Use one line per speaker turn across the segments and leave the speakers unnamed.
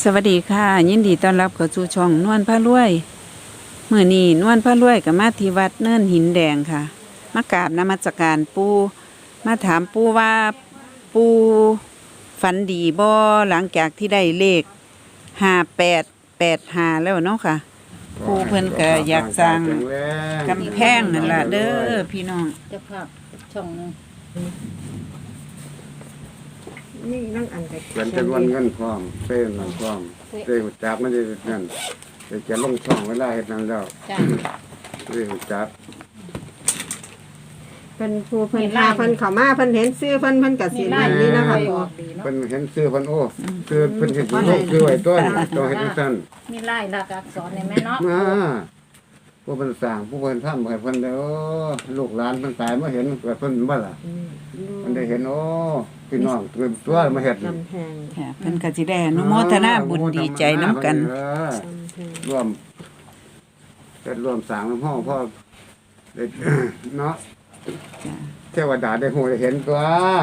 สวัสดีค่ะยินดีต้อนรับเข้าสู่ช่องนวลพารวยมื้อนี้นวลพารวยก็มาที่วัดเนินหินแดงค่ะมากราบนมัสการปู่มาถามปู่ว่าปู่ฝันดีบ่หลังจากที่ได้เลข5885แล้วเนาะค่ะปู่เพิ่นก็อยากสร้างกำแพงนั่นล่ะเด้อพี่น้อง
เจ้าภาพช่องหนึง
นี่นั่งอันไป
เป็นจำนวนเงินพร้อมเส้นนั่นพร้อมเส้นหุ่จักมันจะนั่นจะลงช่องเวลาเฮ็ดนั่นแล้ว
จ้า
เส้นหุ่จัก
เพิ่นผู้เพิ่นพาเพิ่นเข้ามาเพิ่นเห็นซื้อเพิ่นก็สินั่นนี่นะคะ
อ
ปู่
อกดีเนาะ
เพิ่นเห็นซื้อเพิ่นโอ้ซื้อเพิ่นเห็นลูกซื้อไว้ต้นต้องเฮ็ดจังซั่น
มีไล่หลักอักษรในแม่เนาะ
มาผู้เพิ่นสร้างผู้เพิ่นทำให้เพิ่นได้โอ้ลูกหลานเพิ่นตายมาเห็นเกิดเพิ่นบ่ล่ะเพิ่นได้เห็นโอ้พี่น้องตื่นตัวมาเฮ็ด
กำแพง
ค่ะเพิ่นก็สิได้อนุโมทนาบุญดีใจน้ำกัน
กำแพง
ร่วมเฮ็ดร่วมสร้างน้ำห้องพ่อได้เนาะเทวดาได้ฮู้ได้เห็นตัว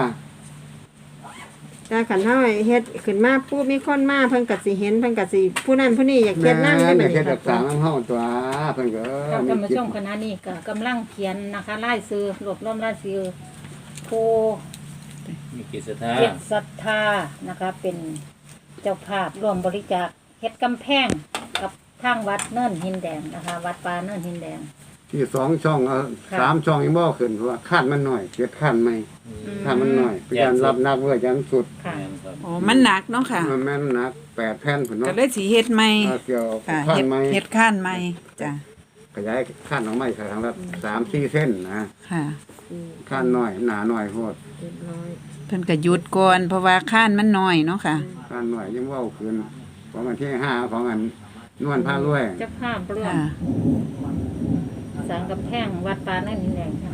แต่คันเฮาเฮ็ดขึ้นมาปุ๊บมีคนมาเพิ่นก็สิเห็นเพิ่นก็สิผู้นั้นผู้นี้อยากเฮ็ดนำได้
แม่
บัด
เฮ็
นี้
ดรักษา
ค่ะ
น้ำห้องตัวเพิ่นก็
ท่านผู้ชมคณะนี้ก็กำลังเขียนนะคะไล่ซื้อรวบรวมไล่ซื้อโพ
มีกิจสถา
เจ็ดศรัทธานะคะเป็นเจ้าภาพร่วมบริจาคเฮ็ดกำแพงกับทางวัดเนินหินแดงนะคะ วัดป่าเนินหินแดง
ที่2ช่อง3ช่องยังบ่ขึ้นเพราะว่าคาดมันน้อยเก็ดคาดใหม่คาดมันน้อยเป็นการรับนักเว้ยจังสุด
ค่ะ
แม่นครับ
โอ้มันหนักเนาะค่ะ
มันแม่นหนัก8แผ่นพุ่น
ก็
เนาะ
เลยสิเฮ็ดใหม่
เกี่ยว
ค่ะ
คาด
เฮ็ด
ใหม่
เฮ็ดข้านใหม่จ้ะ
ขยายคาดออกมาอีกครั้งละ3-4เส้นนะ
ค่ะ
คาดน้อยหนาน้อยโพด
เรียบร้อย
เพิ่นก็หยุดก่อนเพราะว่าข้านมันน้อยเนาะค่ะ
คาดน้อยยังเว้าขึ้นของอันที่5ของอันนวลพารวย
เจ้าภาพร่วม
ค่ะ
สร้างกำแพงวัดป่าเนินหินแดงค่ะ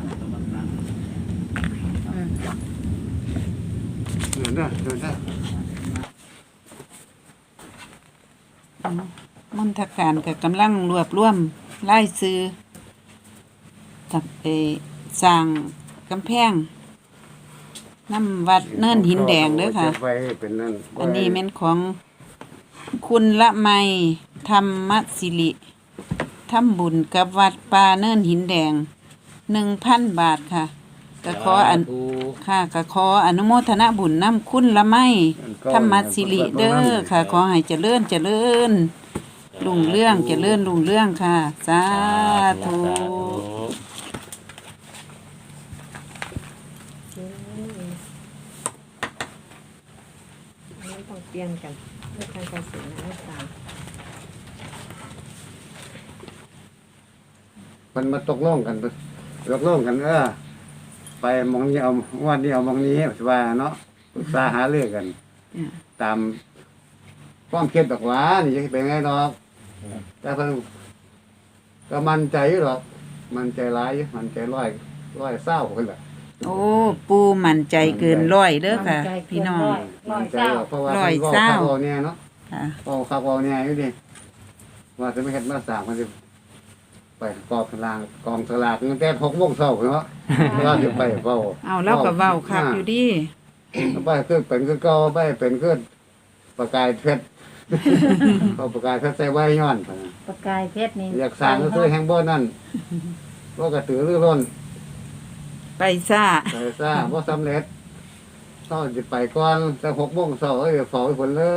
อืม
เดินได้
มนทการก็กำลังรวบรวมรายชื่อกับสร้างกำแพงน้ำวัดเนินหินแดงเด้อค่ะ
เก็บไว้เป็นนั่น
อันนี้แม่นของคุณละไมธรรมศิริทำบุญกับวัดป่าเนินหินแดง 1,000 บาทค่ะก็ขออัน ค่ะก็ขออนุโมทนาบุญนำคุณละไมธรรมศิริเด้อค่ะ ขอให้เจริญเจริญรุ่งเรื่องเจริญรุ่งเรื่องค่ะ สาธุ
อันนี้ต้องเปลี่ยนกันเพื่อการเกษตรนะตาม
มันมาตกลงกันไปมองนี้เอาวันนี้เอามองนี้ว่าเนาะปรึกษาหาเรื่องกัน ตามความคิดดอกหว่านี่จะเป็นไงดอกแต่เพิ่นก็มั่นใจอยู่ดอกมั่นใจหลายอยู่มั่นใจร้อยเศร้าเพิ่นล่ะ
โอ้ปูมั่นใจเกินร้อยเด้อค่ะ พี่น้อง
ร้อ
มั่
ย
นใจ
เจ้า
ดอกเพราะว่า
ร้อย
เพิ่น
เศร้า
เว้าเนี่ยเนาะ
ค่ะ
เว้าเนี่ยอยู่ดิว่าจะไม่เฮ็ดมาสร้างมันสิไปกองสลากตั้งแต่6:00 นเนาะเราสิไปเว้า
เอาแล้วก็เว้าคักอยู่ดิ
ไปคือเป็นคือเก่าไปเป็นคือประกายเพชร เอาประกายเพชรใส่ไว้ย้อนพุ่นน่ะ
ประกายเพชรนี่
อยากสร้างก็คือแห่งบ่นั่นบ่กระตือรือร้น
ไปซ่า
ไปซ่าบ่สำเร็จต้องสิไปก่อนแต่6:00 นเอ้ยเฝ้าไว้พุ่นเลย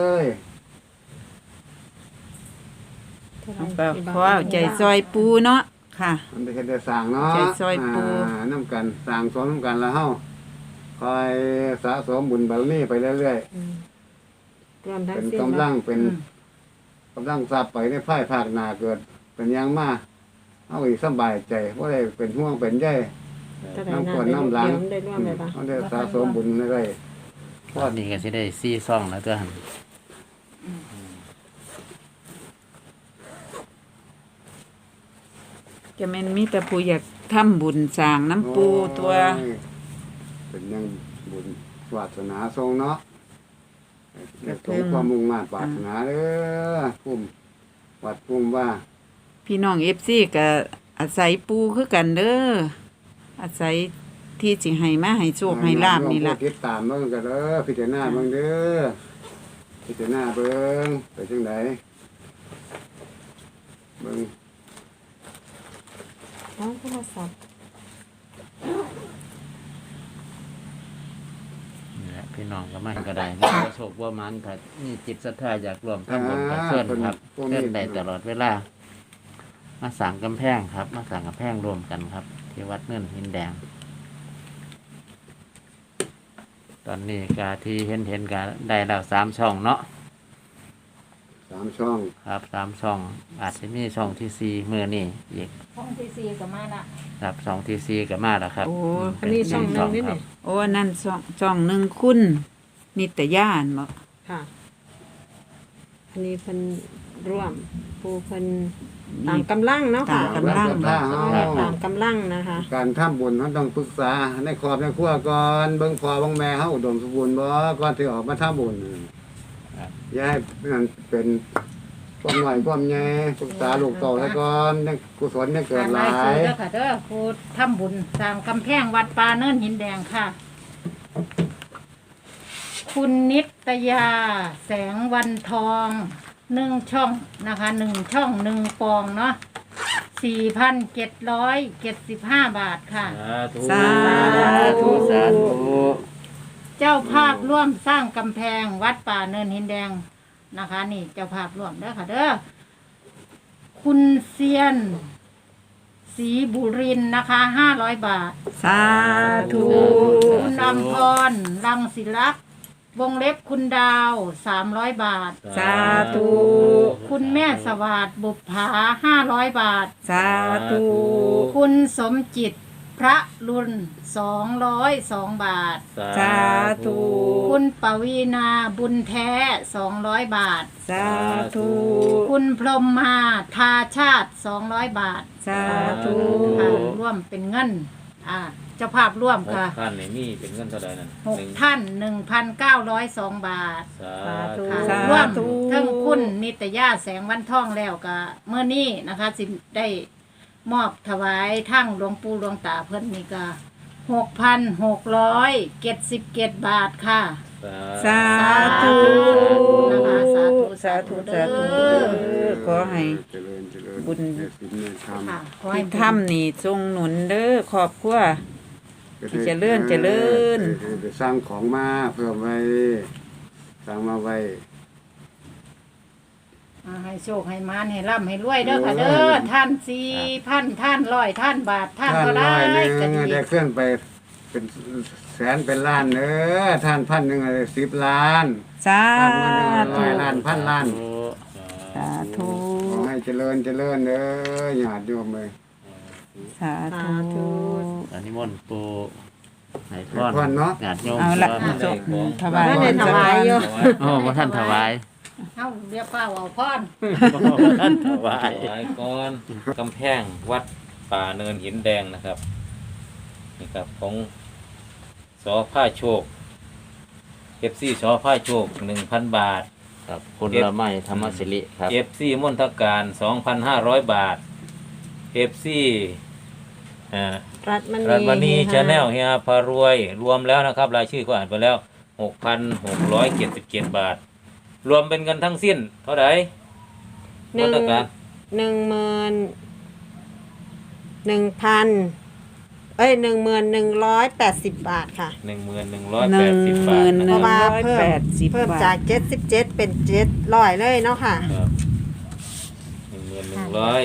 ก็ขอเอาใจซอยปูเนาะค่ะ
มันได้เฮ็ดได้สร้างเนาะ
ใจซอยปู
นำกันสร้างสมนำกันแล้วเฮาคอยสะสมบุญบารมีไปเรื่อย
รวม
ๆ
ทั้ง
เป็น
สิ้น
กำลั
เนาะ
งเป็นกำลังทรัพย์ไปในภายภาคหน้าเกิด เป็นหยังมาเฮาอีกสบายใจบ่ได้เป็นห่วงเป็นใย
เท่าไหร่นะเดี๋ยวได้ร่วมเลยปะ
เขาได้สะสมบุญเรื่อย
รอบนี้ก็สิได้4ซ่องแล้วตัวหั่น
จะแม่นมีแต่ผู้อยากทำบุญสร้าง
ๆ
น้ำปูตัว
โอ้ยเป็นยังบุญวาสนาทรงเนาะให้สมความมุ่งมั่นปรารถนาเด้อภูมิวัดภูมิว่า
พี่น้อง FC ก็อาศัยปูคือกันเด้ออาศัยที่สิให้มาให้โชคให้ลาบนี่ล่ะ
ผู้ติดตามเบิ่งกันเด้อพิจารณาเบิ่งเด้อพิจารณาเบิ่งไปจังไดเบิ่ง
น้องโทรศัพท์
นี่แหละพี่น้องก็ไม่ก็ได้มีประสบว่ามันถ้ามีจิตศรัทธาอยากรวมทำบุญกับเพื่อนครับเพื่อนได้ตลอดเวลามาสั่งกำแพงครับ มาสั่งกำแพงรวมกันครับ ที่วัดเนินหินแดง ตอนนี้กาที่เห็นกันได้แล้ว3 ช่องเนาะ
3 ช่อง
ครับ3 ช่อง อาจจะมีช่องที่4มื้อนี้อีก
ห้องที่สี่ก็มาละ
ครับช่องที่4ก็มาแล้วครับ
โอ้
อันนี้ช่องหนึงนี่
ครั
นี่
บ
โอ้นั่นช่องหนึ่งคุณนิตยาอันบ่
ค่ะ อันนี้เพิ่นร่วมผู้เพิ่นตามกำลังเนาะค่ะ
ตามกำลัง
ศรัทธาเฮา
ตามกำลังนะคะ
การทำบุญมันต้องปรึกษาในครอบในครัวก่อนเบิ่งพ่อเบิ่งแม่เฮาอุดมสมบูรณ์บ่ก่อนที่ออกมาทำบุญอย่าให้มันเป็นความน้อยความใหญ่ปรึกษาลูกเต่าซะก่อนในกุศลเนี่ยเกิดหลา
ซื้
ย
เด้อค่ะเด้อครูทำบุญสร้างกำแพงวัดป่าเนินหินแดงค่ะ คุณนิตยาแสงวันทอง1 ช่องนะคะ1 ช่อง1 ปองเนาะ4,775 บาทค่ะ
สาธุ
สาธุ
เจ้าภาพร่วมสร้างกำแพงวัดป่าเนินหินแดงนะคะ นี่เจ้าภาพร่วมเด้อค่ะเด้อคุณเซียนศรีบุรินทร์นะคะ500 บาท
สาธุ
คุณอำพรรังศิลักษ์วงเล็บคุณดาว300 บาท
สาธุ
คุณแม่สวัสดิ์บุปผา500 บาท
สาธุ
คุณสมจิตพระรุน202 บาท
สาธุ
คุณปวีนาบุญแท้200 บาท
สาธุ
คุณพรหมมาทาชาติ200 บาท
สาธุ
ค่ะร่วมเป็นเงินเจ้าภาพร่วมค่ะ
ท่านนี่มีเป็นเงินเท่าใดนั่น
6 ท่าน 1,902 บาท
สาธุ
ค่ะ
สาธุ
ร่วมทั้งคุณนิตยาแสงวันทองแล้วก็เมื่อนี้นะคะสิได้มอบถวายทั้งหลวงปู่หลวงตาเพิ่นนี่ก็6,677 บาทค่ะ
สาธุ
นะคะสาธุ
สาธุสาธุ
เด้อ
ขอให้
เจริญเจริญ
บุญ
ในศีลในธรรม
ค่ะขอให้
ที่ทำนี่ทรงหนุนเด้อครอบครัว ที่เจริญเจริญ
ไปสร้างของมาเพื่อไว้สร้างมาไว้
ให้โชคให้มานให้ร่ำให้รวยเด้อค่ะเด้อท่าน4,000ท่าน100ท่านบาทท่านก็ได้
ท่านร้อยห
ก็
นึ่ง
ดี
ได้เคลื่อนไปเป็นแสนเป็นล้านเด้อท่าน1,000ได้10 ล้าน
สา
ท่าน
ธุ
1,000 ล้านพันล้าน
สาธุ
ขอให้เจริญเจริญเด้อญาติโยมเลย
สาธุ
อันนี้มนต์ปูให้พ
ให้พรเนาะ
ญาติโยม
เอาละ
พร
จบถวาย
บ่ได้ถวายอยู่
โอ้บ่ท่านถวาย
เฮาเรียกว่าเอาพร
บ่ท่านถวาย
ถวายก่อนกำแพงวัดป่าเนินหินแดงนะครับนี่ครับของสอผ้าโชคเอฟซีสอผ้าโชค 1,000 บาท
ครับคุณละไมธรรมสิริครับ
เอฟซีมณฑการ 2,500 บาทเอฟซี
รัฐม
รัตมณี
ณี
ชาแนลเฮียพารวยรวมแล้วนะครับรายชื่อก็อ่านไปแล้ว 6,677 บาท รวมเป็นเงินทั้งสิ้น เท่าไหร่
หนึ่ง
มณฑการ
11,180 บาทค่ะ
11,180 บาทนะ
เพ
ค
ราะ
รับ
ว่าเพิ่ม
180
เพิ่ม
บา
จา
ท
ก77เป็น700เลยเนาะค่ะ
ครับ11,100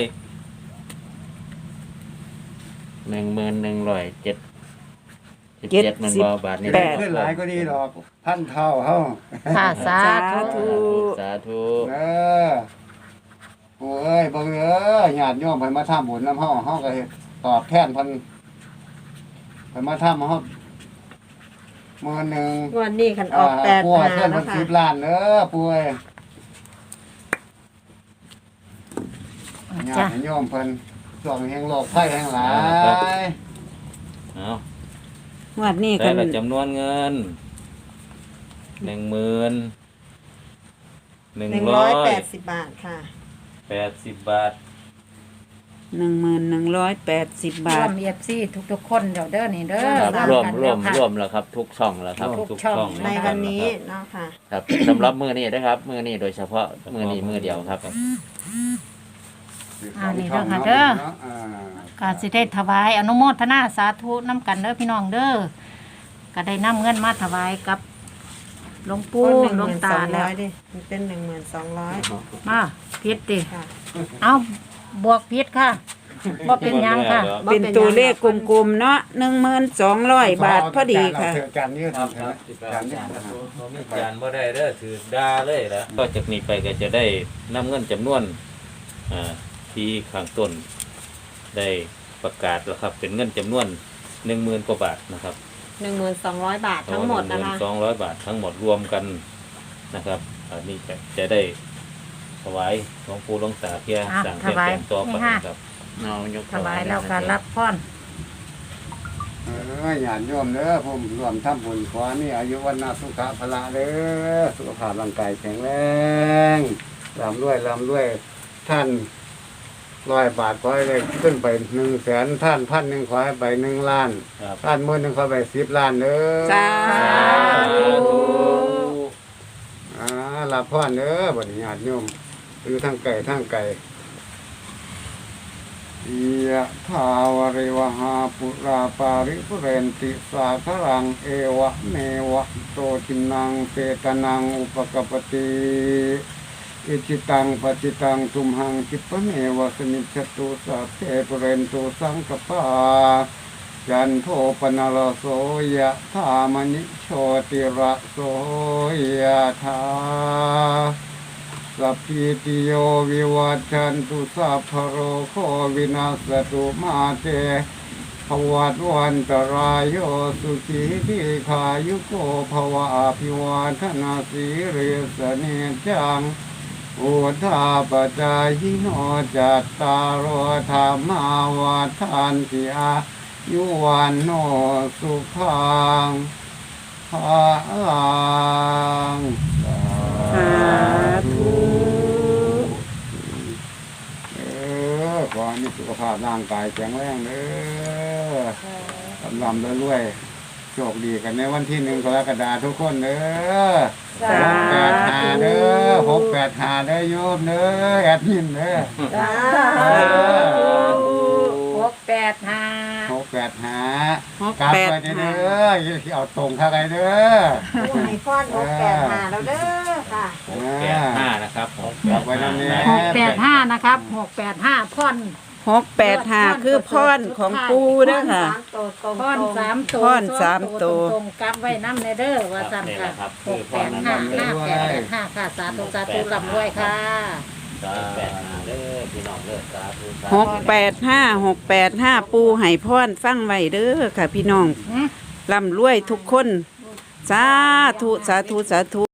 11,177มันบ่บาทนี่
แปด
ขึ้นหลายก็ดีดอกพันเท่าเฮา
ค่ะสา
สา
ธุ
ธุ
สาธุ
เออผู้เอ้ยเบิ่งเด้อญาติโยมเพิ่นมาทำบุญนำเฮาเฮาก็เฮ็ดตอบแทนเพิ่นมาทำเฮามื้อหนึง
งวดนี้คันออก
ปัวเพิ่น
8
เพิ่
นะ
น
คะ
10 ล้านเด้อป่วยญา
จ้ะ
ติโยมเพิ่นช่วงแห่งโรคภัยแห่งหลาย
เอา
งวดนี้
แต่
กัน
ละจำนวนเงิน
180 บาทค่ะ
10,180 บาท
1180 บาร
ว
ท
มเอฟซีทุกๆคนเดี๋ยวเด้อนี่เด้อ
ครับ
สาม
ร่วม
กัน
ร่วม
แล้วค่ะ
ร่วมแล้วครับ ทุกช่องแล้วครับ
ทุกช่อง
ในวันนี้เนาะค่ะ
ครับสำหรับมือนี้นะครับมือนี้โดยเฉพาะมือนี้มือเดียวครับ
นี่เด้อค่ะเด้อ ก็สิได้ถวายอนุโมทนาสาธุน้ำกันเด้อพี่น้องเด้อก็ได้นำเงินมาถวายกับหลวงปู่หลวงตาแล้ว
ดิมันเป็น1200
มาพิษดิ
ค่ะ
เอาบวกพิษค่ะบ่เป็นหยังค่ะ
เป็นตัวเลขกลมๆเนาะ1,200 บาทพอดีค่ะ
จานนี้
ครับ
จานนี้
มีจานบ่ได้เด้อถือดาเลยแล้วก็จากนี้ไปก็จะได้นำเงินจำนวนที่ข้างต้นได้ประกาศแล้วครับ เป็นเงินจำนวน 10,000 กว่าบาทนะครับ
1200 บาททั้งหมดนะคะ
200 บาททั้งหมดรวมกันนะครับอันนี้จะได้ถวายหลวงปู่หลวงตาเพื่อสั่งเพื่อแต่งตัวไปนะครับ
เอายก
ถวายแล้วก็รับพร
ญาติโยมเด้อผมรวมทำบุญขอนี่อายุวันนาสุขะพละเด้อสุขภาพร่างกายแข็งแรงร่ำรวยท่าน100 บาทขอให้ได้ขึ้นไป100,000ท่าน1,000ขอให้ไป1 ล้าน
ครับ
ท่าน10,000ขอไป10 ล้านเด้อ
สาธุ
รับพรเด้อบัดนี้ญาติโยมอยู่ทางไกลยะทาวริวหาปุราปาริปุเรนติสาครังเอวะเมวะโตทินังเปตนังอุปกปปติอิจิตังปจิตังทุมหังคิปะเมวะสมิจฉตุสัพเพปุเรนตุสังกปาจันโทปนรโสยะธามนิโชติระโสยะธาสัพพิติโยวิวัชชันตุสัพพะโรโควินาศตุมาเตภวัตวันตรายโยสุขีทีขายุโกภวะอภิวาทนาสีเรสเนจังอุทาปจายโนจัตตารโอธรรมาวัฏันติอายุวันโนสุขังภาลัง
สาธุ
ขอให้มีสุขภาพร่างกายแข็งแรงเด้อลำรวยๆโชคดีกันในวันที่1 กรกฎาคมทุกคนเด้อ
สาธุ
685เด้อ685เด้อโยมเด้อแอดมินเด้อ
685
685กลับไปเด้ออย่าสิเอาตรงเข้าไปเด้อ
ผู้ให้พร685แล้วเด้อค่ะ
85นะครับผม
กลับไปนั่นนี่
685นะครับ685พร
685คือพรของปูเด้อค่ะ
พร3ตัว
พรสามตัว
ตรงๆกลับไว้นำในเด้อว่าซั่นค่ะ685 5885ค่ะสาธุร่ำรวยค่ะ
8เด้อพี่น้องเด้อสาธุสาธุ
685ปูให้พรฟังไว้เด้อค่ะพี่น้องร่ำรวยทุกคน สาธุ